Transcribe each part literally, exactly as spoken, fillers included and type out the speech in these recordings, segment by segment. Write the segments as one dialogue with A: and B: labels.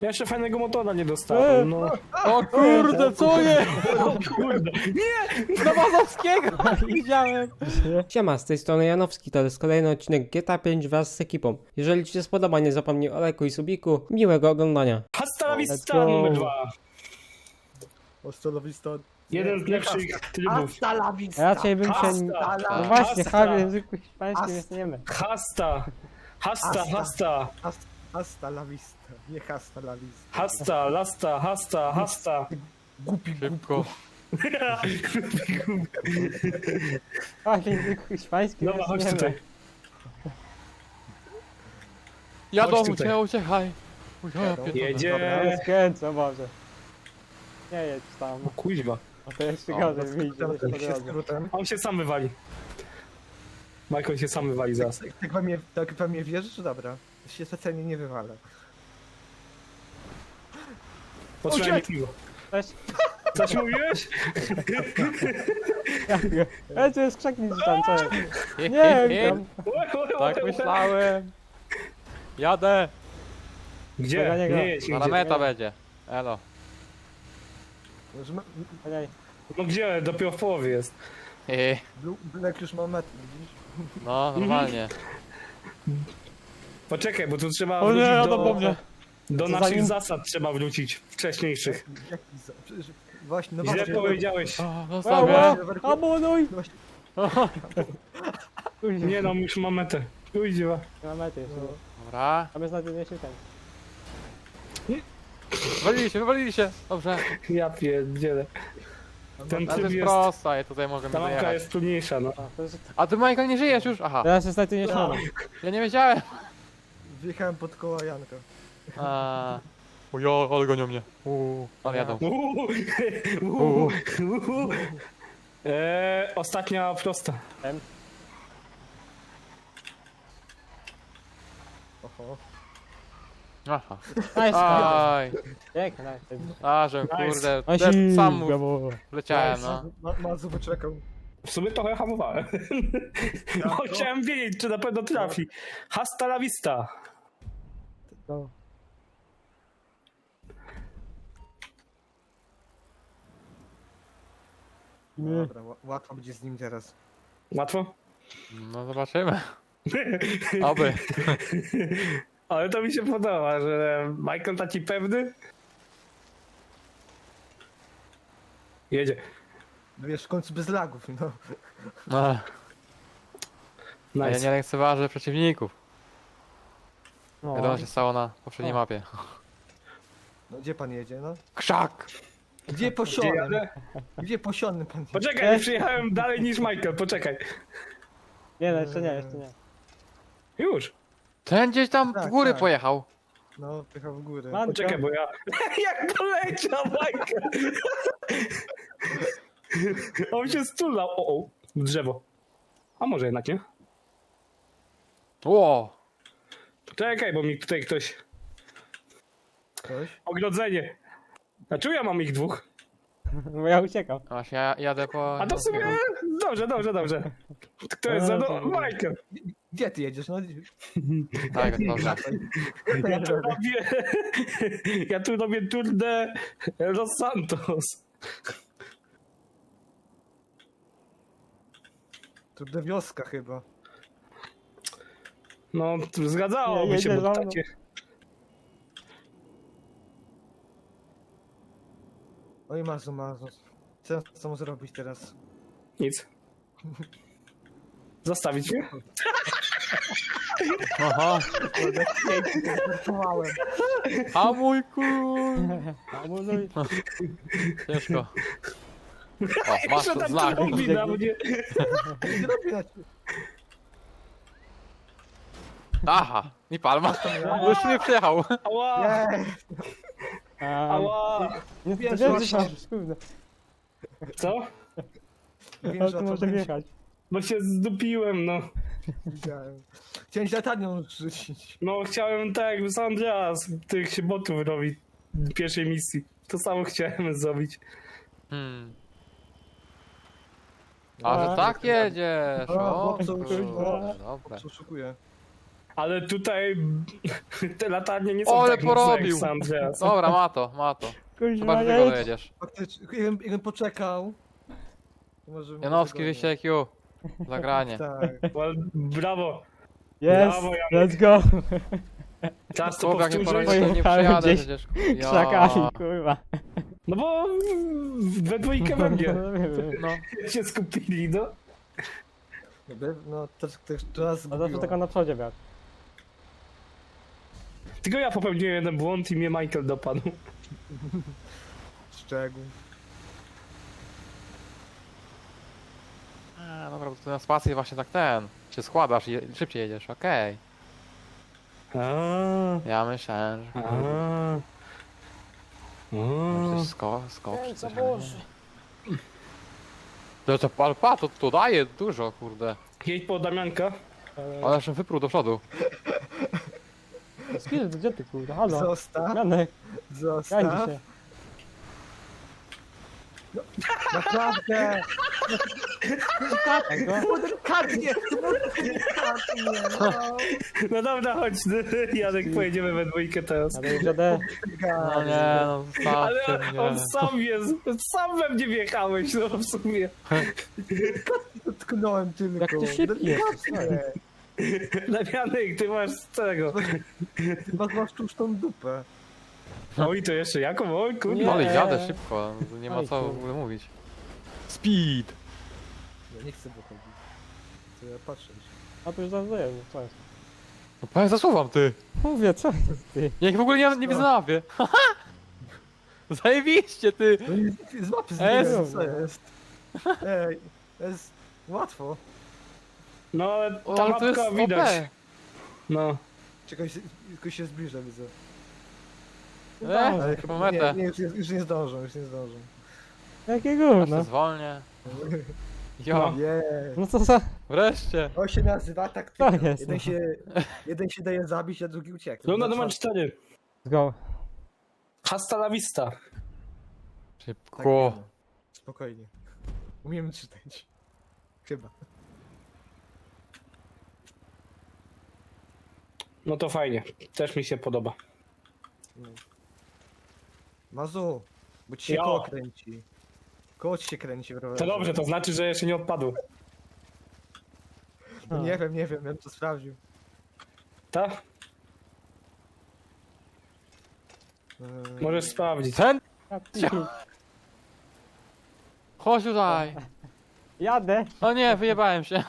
A: Ja jeszcze fajnego motora nie dostałem, no.
B: O kurde, co jest?
A: O kurde. Nie!
B: Do Mazowskiego! Widziałem.
C: Siema, z tej strony Janowski, to jest kolejny odcinek G T A pięć wraz z ekipą. Jeżeli ci się spodoba, nie zapomnij o lajku i subiku. Miłego oglądania.
A: Hasta la
C: Let's
A: vista
C: go.
A: numer dwa.
D: Ostolowista.
A: Jeden z lepszych trybów.
D: Hasta la vista.
C: Raczej bym się...
A: Hasta.
C: No właśnie,
A: Hasta.
C: Harry w języku hiszpańskim
D: Hasta.
C: jest niemy.
A: Hasta. Hasta,
D: Hasta.
A: hasta.
D: Hasta, hasta la vista. Nie hasta la vista.
A: Hasta, lasta, hasta, hasta.
D: Głupi,
B: Szybko.
C: A w języku hiszpańskim
A: Dobra, chodź
C: jest
A: tutaj.
C: niemy.
B: Jadą,
A: Chodź tutaj.
B: uciekaj, uciekaj. Uciekaj,
D: Dobra.
A: Jedzie.
C: Ale skręcę, Boże. Nie jedź tam.
A: O kuźwa.
C: A to jeszcze
B: O,
C: gorzej wyjdzie
D: Skrótem,
C: po
D: się
C: drodze.
D: skrótem.
A: On się sam wywali. Michael się sam wywali zaraz.
D: Tak, tak wam mnie, tak wam mnie wierzysz? Dobra. Się specjalnie nie wywalę.
A: Potrzymaj mi piwo.
C: Cześć.
A: Coś mówiłeś?
C: Ej, to jest krzaknij tam, co jest?
B: He,
C: Nie
B: he,
C: wiem
B: he.
C: tam.
B: Tak myślałem. Jadę.
A: Gdzie?
C: Dobra, nie gra.
A: Nie jedź
B: Na
A: nigdzie.
B: meta będzie. Elo.
D: Że ma-
C: Ej,
A: No gdzie? Dopiero w połowie jest.
B: He,
D: Blu- Black już ma metr, widzisz?
B: no, normalnie.
A: Poczekaj, bo tu trzeba
B: O nie,
A: wrócić
B: jadą po
A: do,
B: mnie.
A: do
C: Co
A: naszych
C: zanim-
A: zasad trzeba wrócić, wcześniejszych.
D: Jaki za... Przecież... Właśnie, no
A: Źle
D: właśnie.
A: powiedziałeś.
B: O,
C: Ała,
B: zostawię.
C: abonuj!
D: No właśnie,
A: Nie no, już mam metę. Kuźwa.
C: Na mety jeszcze.
D: no.
B: Dobra.
C: A my znajdziemy się ten.
B: Wywalili się, wywalili się. Dobrze.
A: Ja pierdzielę. Ten
B: Ale to
A: tryb
B: jest
A: jest...
B: prosta i tutaj możemy
A: Ta mapka
B: dojechać.
A: jest trudniejsza, no.
C: A, to jest...
B: A ty, Michael, nie żyjesz już? Aha.
C: Teraz jest niestety nie śmiano.
B: Ja nie wiedziałem.
D: Wjechałem pod koła Janka.
B: A. O jo, ale gonią mnie. Uuu, ale jadą.
A: Uuu, uuu, uuu. Eee, ostatnia prosta.
D: Oho.
B: Aha.
C: Nice,
B: Aj.
C: pięknie, nice.
B: A, że
A: Nice.
B: kurde,
C: Nice.
B: też sam mu
C: Brawo.
B: leciałem, no.
D: Ma, Mazu wyczekał.
A: W sumie trochę hamowałem. Bo chciałem wiedzieć, czy na pewno trafi. Hasta la vista.
C: No. Nie.
D: Dobra, ła- łatwo będzie z nim teraz.
A: Łatwo?
B: No zobaczymy. Oby.
A: Ale to mi się podoba, że Michael taki pewny. Jedzie.
D: No wiesz, w końcu bez lagów, no.
B: No. A ja
A: Nice.
B: nie lekceważę przeciwników.
C: No.
B: Wiadomo, się stało na poprzedniej
C: O.
B: mapie.
D: No gdzie pan jedzie, no?
B: Krzak!
D: Gdzie
A: Gdzie
D: posionym?
A: jadę?
D: Gdzie posionym pan jedzie?
A: Poczekaj, nie przyjechałem dalej niż Michael, poczekaj.
C: Nie, no, jeszcze nie, jeszcze nie.
A: Już.
B: Ten gdzieś tam w
D: Tak,
B: góry
D: tak.
B: pojechał.
D: No, pychał w górę.
C: Man-
A: Poczekaj, bo ja... Jak poleciał Michael! On się stulał. O, o, w drzewo. A może jednak nie?
B: Ło!
A: Czekaj, bo mi tutaj ktoś...
D: Ktoś?
A: Ogrodzenie. Znaczy ja mam ich dwóch.
C: Bo ja uciekam.
B: Właśnie ja jadę po...
A: A to w sumie... Dobrze, dobrze, dobrze. Kto jest za... No, Michael.
D: Gdzie ty jedziesz? No,
B: Tak, dobrze.
A: Ja tu robię... Ja tu robię Tour de Los Santos.
D: tu do wioska chyba.
A: No, zgadzałoby
C: Nie,
A: się,
C: jedzie
A: bo
C: za mną.
A: takie...
D: Oj, Mazu, Mazu. Co co mu zrobić teraz?
A: Nic. Zostawić mnie?
B: Aha.
D: Kurde, pięknie, żartowałem.
B: A mój kur...
C: Abonuj.
B: Ciężko. O, masz
A: Jeszcze tam
B: znak.
A: to robi na mnie.
D: Nie robię na ciebie.
B: Aha. I palma. Już nie przyjechał.
A: Ała,
D: Nie,
C: A,
A: ała.
C: nie,
D: Wiesz,
C: to wiem,
D: właśnie-
C: że masz, kurde.
A: Co?
D: wiem,
C: Ale
D: że
C: to
D: o co
C: może
D: chodzi.
C: wjechać.
A: Bo się zdupiłem, no.
D: Widziałem. Chciałem ci latarnią rzucić.
A: No chciałem tak jakby San Andreas tych się botów robić w pierwszej misji. To samo chciałem zrobić.
B: Hmm. A, że tak jedziesz.
D: A,
B: O,
D: chłopcu,
B: kurde,
D: o.
B: dobra.
D: Co szukuję?
A: Ale tutaj te latarnie nie są
B: Ole,
A: tak mocne jak
B: porobił.
A: w San Andreas.
B: Dobra, ma to, ma to.
C: Kuźwa,
B: Chyba, że ty go
C: jedź.
B: dojedziesz.
D: Faktycznie, jakbym, jakbym poczekał. to Może
B: Janowski,
D: może
B: wyjście I Q. Zagranie.
D: Tak.
A: Well, brawo.
C: Jest,
A: Brawo, Janek.
C: let's go.
A: Czas to
B: Chłop, jak nie
A: powtórzyć.
B: poradzę, to nie
C: Pojechałem
B: przyjadę
C: gdzieś
B: przecież.
C: Krzakami, kurwa.
A: No bo we dwójkę we mnie
B: No.
A: się skupili, no.
D: Jakby, No, też, też teraz
C: A zawsze tylko na przodzie miał.
A: Tylko ja popełniłem jeden błąd i mnie Michael dopadł.
D: Szczegół.
B: A, dobra, bo tu na spacji właśnie tak ten. Się składasz i je- szybciej jedziesz, okej.
A: A,
B: Ja myślałem, że...
A: a.
B: Może
A: A.
B: coś skok, skok czy coś, ale nie. To, to, ale pa, to, to daje dużo, kurde.
A: Jedź po Damianka.
B: Ale jeszcze wyprół do przodu.
C: Skill, gdzie ty kurwa, halo?
D: Zostaw,
C: Janek, gańdź
D: zostaw.
C: się.
D: Naprawdę!
C: Tego?
D: Delikatnie! Delikatnie! No.
A: No dobra, chodź, Janek, pojedziemy we dwójkę teraz.
C: Ale już jadę.
B: No nie, no
A: Ale
B: zostawcie
A: on
B: mnie.
A: sam jest, sam we mnie wjechałeś, no w sumie.
D: Dotknąłem tylko.
C: Jak ty szybki jesteś,
D: Delikatnie.
A: Damianek, ty masz z tego.
D: Ty masz, masz tłuszczą dupę.
A: Oj, to jeszcze jaką? Oj, kurde.
B: No ale
C: Nie.
B: jadę szybko, nie ma
C: Oj,
B: co w
C: kurde.
B: ogóle mówić. Speed!
D: Ja nie chcę dochodzić. To ja patrzę.
C: A to już zazdaję, co jest?
B: No powiem, zasuwam ty!
C: Mówię, co jest ty?
B: Ja ich w ogóle nie, nie wyznawię. Zajebiście ty!
D: No nie, z mapy
B: Es.
D: zbiłem, co jest? Ej, to jest łatwo.
A: No, ale
B: O,
A: ta
B: ale to jest
A: mapka
B: O
A: widać.
B: P.
A: No.
D: Czekaj, się- tylko się zbliża, widzę.
B: E,
D: Ale
B: po
D: chyba, nie,
B: metę.
D: nie, już, nie- już nie zdążą, już nie zdążą.
C: Jakie
B: Ja
C: gówno?
B: się zwolnię. Jo,
A: No.
D: Nie.
C: No co za...
B: wreszcie.
D: To się nazywa taktyka.
C: To jest,
D: Jeden
C: no.
D: się, jeden się daje zabić, a drugi ucieka.
A: Luna numer cztery.
C: Let's go.
A: Hasta la vista.
B: Szybko.
D: Spokojnie. Umiemy czytać. Chyba.
A: No to fajnie. Też mi się podoba.
D: Mazu, bo ci się
A: Jo.
D: koło kręci. Koło ci się kręci w rowerze.
A: To dobrze, to znaczy, że jeszcze nie odpadł.
D: No nie wiem, nie wiem, ja bym to sprawdził.
A: Tak?
D: Eee,
A: Możesz sprawdzić.
B: Ten?
C: A ty-
B: Chodź tutaj.
C: Jadę.
B: O nie, wyjebałem się.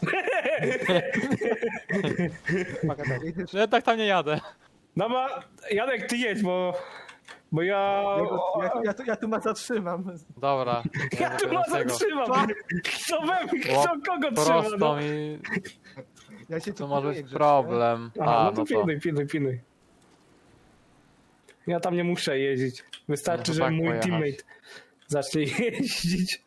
D: jedziesz-
B: No ja tak tam nie jadę.
A: Dobra, Janek, ty jedź, bo... Bo ja...
D: Ja, go- ja, ja, tu, ja tu ma zatrzymam.
B: Dobra.
A: Ja tu ma zatrzymam! Kto we mnie, kto kogo trzyma, no?
B: Prosto mi...
D: Ja się tu
B: To może
D: pilnuję
B: być
D: grzecznie.
B: problem.
A: Aha,
B: A,
A: no to
B: no to...
A: pilnuj, pilnuj, pilnuj. Ja tam nie muszę jeździć. Wystarczy,
B: No to
A: że
B: tak
A: mój
B: pojechać.
A: teammate zacznie jeździć.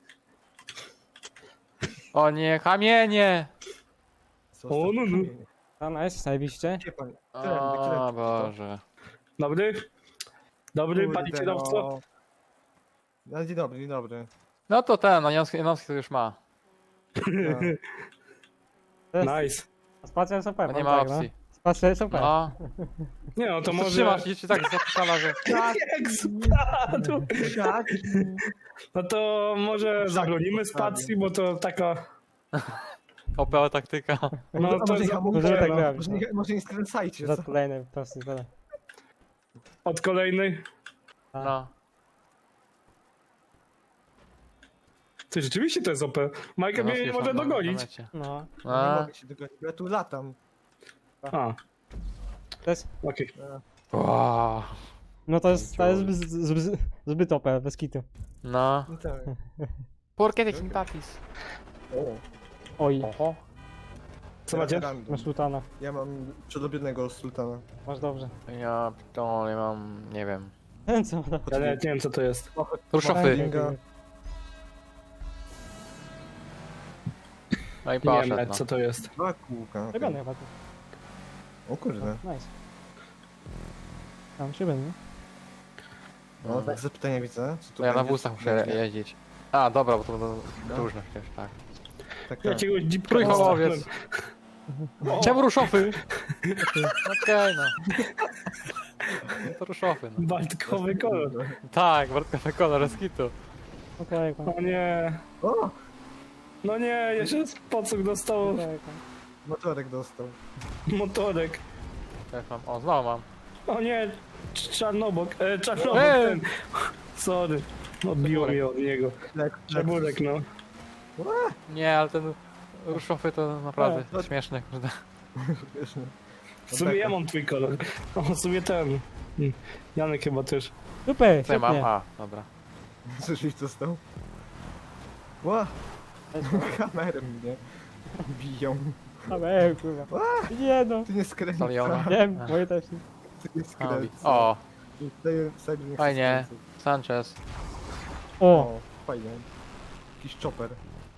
B: O nie, kamienie!
D: Co,
A: O, no, no.
D: kamienie.
C: A nice, zajebiście.
D: Gdzie pan?
B: O
D: Którędy,
B: Boże.
A: Dobry? Dobry,
D: Kurde,
A: panie kierowco?
D: no. No, dzień dobry, dzień dobry.
B: No to ten, no Janowski, Janowski to już ma.
D: No.
C: To jest...
A: Nice.
C: Spacja jest super,
B: To nie
C: mam
B: ma
C: tak, no.
B: opcji.
C: Spacja jest super.
B: No.
A: Nie no, to
B: To
A: może...
B: trzymasz i ci tak zapisala, że...
A: Jak spadł!
D: Tak?
A: No to może zabronimy spacji, bo to taka...
B: O P taktyka.
A: No
D: A
A: to
D: może,
A: za-
D: ja mówię,
C: Możemy tak
D: no,
C: grać,
D: może,
C: no.
D: nie, może nie skręcajcie.
C: Za
D: Co?
C: kolejny prosty tyle.
A: od kolejnej.
B: No.
A: Ty rzeczywiście to jest O P. Michael mnie
B: Janowski
A: nie
B: już
A: może
B: na- na- na
A: dogonić.
B: mecie.
C: No.
D: Nie
B: A,
D: mogę się dogonić, bo ja tu latam.
A: A,
C: To jest...
A: okej.
B: wow.
C: No to jest, to jest zbyt, zbyt, zbyt O P, bez kitu.
B: No.
D: No tak.
B: ¿Por qué te simpatizas?
C: Oj,
B: Oho.
A: Co macie?
D: Random.
C: masz sultana.
D: Ja mam przedobionego sultana.
C: Masz dobrze.
B: Ja to nie mam, nie wiem.
C: Ten co?
A: Ja nawet nie wiem co to jest.
B: Ruszofy.
D: Kinga.
B: No i
A: Nie wiem
B: poszedł,
A: nawet
B: no.
A: co to jest.
D: Dwa kółka. okej.
C: Robiony chyba tu.
D: O kurde.
C: Nice. Tam szybę, nie?
D: No, tak zapytania widzę. Co tu
B: No ja na
D: będzie?
B: busach muszę jeździć. A, dobra, bo to będą różne przecież, tak.
D: Tak, tak.
A: Jakiegoś dzipka
B: Trójkołowiec.
A: dostałem.
B: Czemu ruszofy? Okej, no. No to ruszofy, no.
A: Baltkowy kolor.
B: Tak, wartkowy kolor, z kitu.
C: Okej,
A: O nie.
D: O!
A: No nie, jeszcze pocuk dostał
D: Motorek dostał.
A: motorek.
B: Jak mam? O, znowu mam.
A: O nie, cz- czarnobok, e, czarnobok
B: Ej!
A: ten. Sorry, odbiło mnie od niego.
D: Lek,
A: Czarnurek, no.
B: Nie, ale ten ruszofy to naprawdę
D: No.
B: śmieszne, kurde.
A: W sumie ja mam twój kolor. O, w sumie ten. Mm, Janek chyba też.
C: Super,
B: Co ja mam?
C: świetnie.
B: A, dobra.
D: Coś dostał? Ła! Kamerę mnie biją.
C: Ale, kurwa. Nie no.
D: Ty nie skręca.
B: Saliona.
C: Wiem, moje też nie.
D: Ty nie
B: A,
D: skręca.
B: O,
D: Daję wsadzić, nie chcę
B: fajnie.
D: skręcać.
B: Sanchez.
C: O,
D: O, fajnie. Jakiś chopper.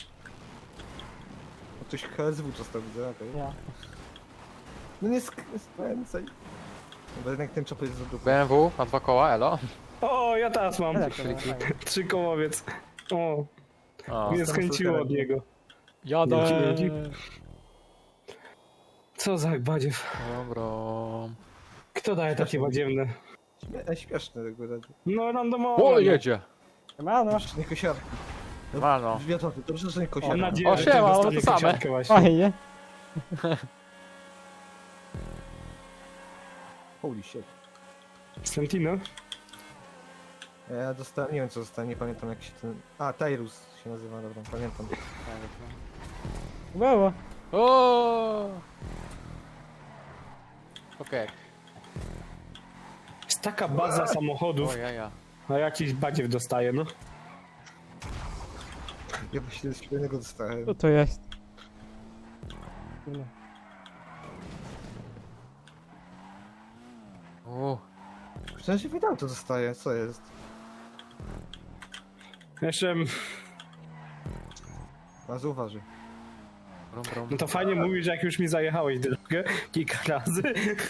D: O, ktoś H S W dostał, widzę, okej.
C: ja.
D: No nie sk- skręcaj. Bo jednak ten chopper jest za dupy.
B: B M W na dwa koła, elo.
A: O, ja teraz mam.
C: Tak,
B: Krzyki.
A: Trzy kołowiec. O,
B: O,
A: mnie skręciło od niego.
B: jadę.
A: Dzięki, dzięki. Co za badziew.
B: Dobra.
A: Kto daje takie badziewne?
D: Śmie- śmieszne tego razu.
A: No randomowo.
B: O, jedzie.
C: Siemano.
D: Nie kosiarki.
B: Mano.
D: Wiatowy, dobrze, że nie
A: Mam
D: kosiarki.
A: nadzieję,
B: O,
A: że
B: siema,
A: też
B: one
A: dostanie
B: to same.
A: kosiarkę właśnie.
C: Fajnie.
D: Holy shit.
A: Santino?
D: Ja dostałem, nie wiem co dostałem, nie pamiętam jak się ten... A, Tyrus się nazywa, dobra, pamiętam.
C: Było.
B: O. Okej.
A: Jest taka baza samochodów,
B: O, ja, ja.
A: a jakiś badziew dostaje, no.
D: Ja właśnie z świetnego dostałem.
C: Co to jest? Kurwa.
B: U.
D: Przecież się wydał to dostaję, co jest?
A: Jeszcze,
D: A zauważy.
B: Brum, brum.
A: no to fajnie mówisz, że jak już mi zajechałeś drogę kilka razy.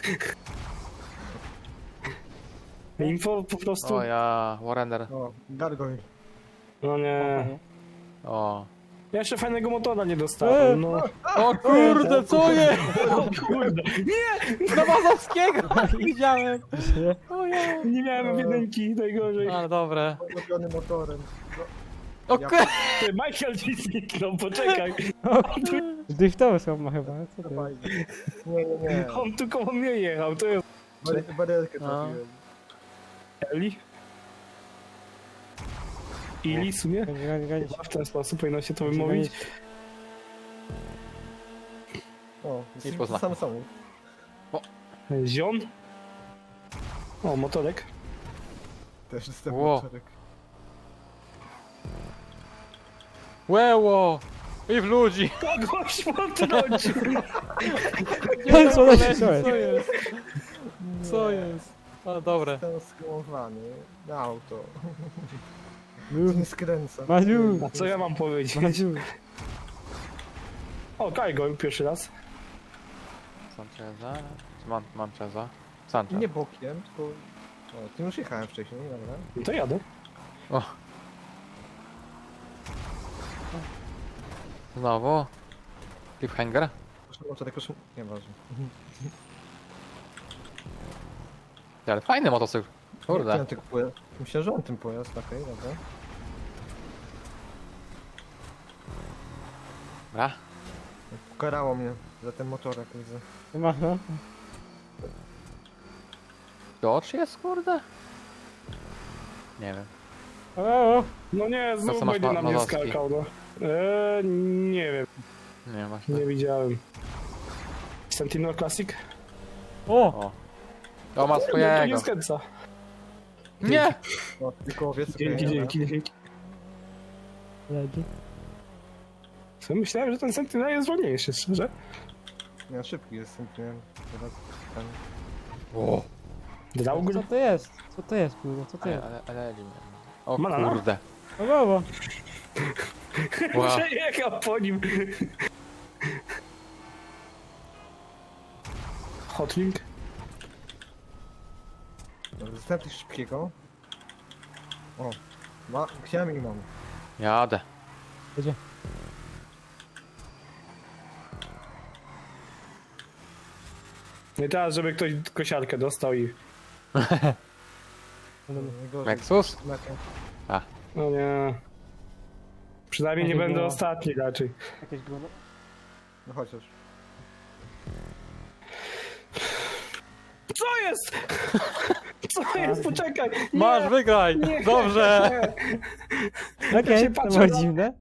A: Info po prostu.
B: O, ja. Warrender.
D: O, Gargoyle.
A: No nie.
B: O.
A: Ja jeszcze fajnego motora nie dostałem, no.
B: O kurde, co jest?
A: O kurde.
B: Do Mazowskiego! Widziałem.
C: O
B: ja.
A: Nie miałem jedynki, najgorzej.
B: Ale dobre.
D: Ulubiony motorem.
B: O
D: Ja-
B: kurde.
A: Ty, Michael ci zniknął, poczekaj.
C: Driftowy są ma chyba, co to jest?
D: Fajnie. Nie, nie, nie.
A: On tu koło mnie jechał, to jest
D: Bary- Barierkę
B: No.
D: trafiłem.
A: Eli? Ili w sumie?
C: Goni, goni, goni.
A: Chyba w ten sposób powinno się to
C: Goni,
A: wymówić.
D: O,
B: Nie
D: jest
B: pozna.
D: sam samochód.
A: Zion? O, motorek.
D: Też dostałem
B: Ło.
D: motorek.
B: Łeło! I w ludzi!
A: Kogoś potrącił!
C: goni. Co to jest? Co jest?
B: Co jest? Co jest? A dobre.
D: Jestem skromowany na auto.
C: Maziu,
D: Nie skręca.
C: Maziu,
A: A co ja mam powiedzieć?
C: Maziu.
A: O, Kajgo, pierwszy raz.
B: Sancheza? Czy mam, mam Cheza? Sanchez.
D: Nie bokiem, tylko... O, tym już jechałem wcześniej, dobra.
A: No to jadę.
B: O. Znowu? Cliffhanger?
D: Proszę, motorek, proszę... Nieważne.
B: Ale fajny motocykl. Kurde.
D: Ja tylko pojazd. Myślę, że on tym pojazd, okej, dobra.
B: Dobra.
D: Ukarało mnie za ten motorek, widzę.
C: Siemano.
B: George jest, kurde? Nie wiem.
C: O, o.
A: No nie,
B: co
A: znów
B: masz
A: będzie
B: ma-
A: na mnie
B: Mazowski?
A: skakał, no. Eee, nie wiem,
B: Nie właśnie.
A: nie widziałem. Santino Classic?
C: O,
B: O. To ma
A: No, to
B: swojego.
A: nie skręca.
B: Nie!
D: O, tylko owiec, okej,
A: Dzięki,
D: dobra.
A: dzięki, dzięki.
C: leci.
A: Co, myślałem, że ten Sentinel jest wolniejszy, szczerze.
D: Nie, szybki jest, nie wiem. Teraz ten...
B: O.
A: Draugr?
C: Co to jest? Co to jest, kurwa? Co to
B: Ale,
C: jest?
B: ale, ale, o
A: Banana?
B: kurde.
C: O, brawo.
B: Wow.
A: Przejechał po nim. Hotlink?
D: Dobra, dostałem coś szybkiego. O, ma... chciałem i mam.
B: Jadę.
C: Gdzie?
A: No i teraz, żeby ktoś kosiarkę dostał i...
D: Najgorzej.
B: Nexus?
D: Znakiem.
A: No nie... Przynajmniej nie
C: Ale
A: będę
C: było.
A: ostatni raczej.
C: Jakieś było...
D: No chociaż.
A: Co jest? Co jest? Poczekaj! Nie,
B: Masz, wygraj!
A: nie,
B: Dobrze!
A: nie.
C: Okej,
A: się
C: to
A: patrzę
C: było
A: na-
C: dziwne.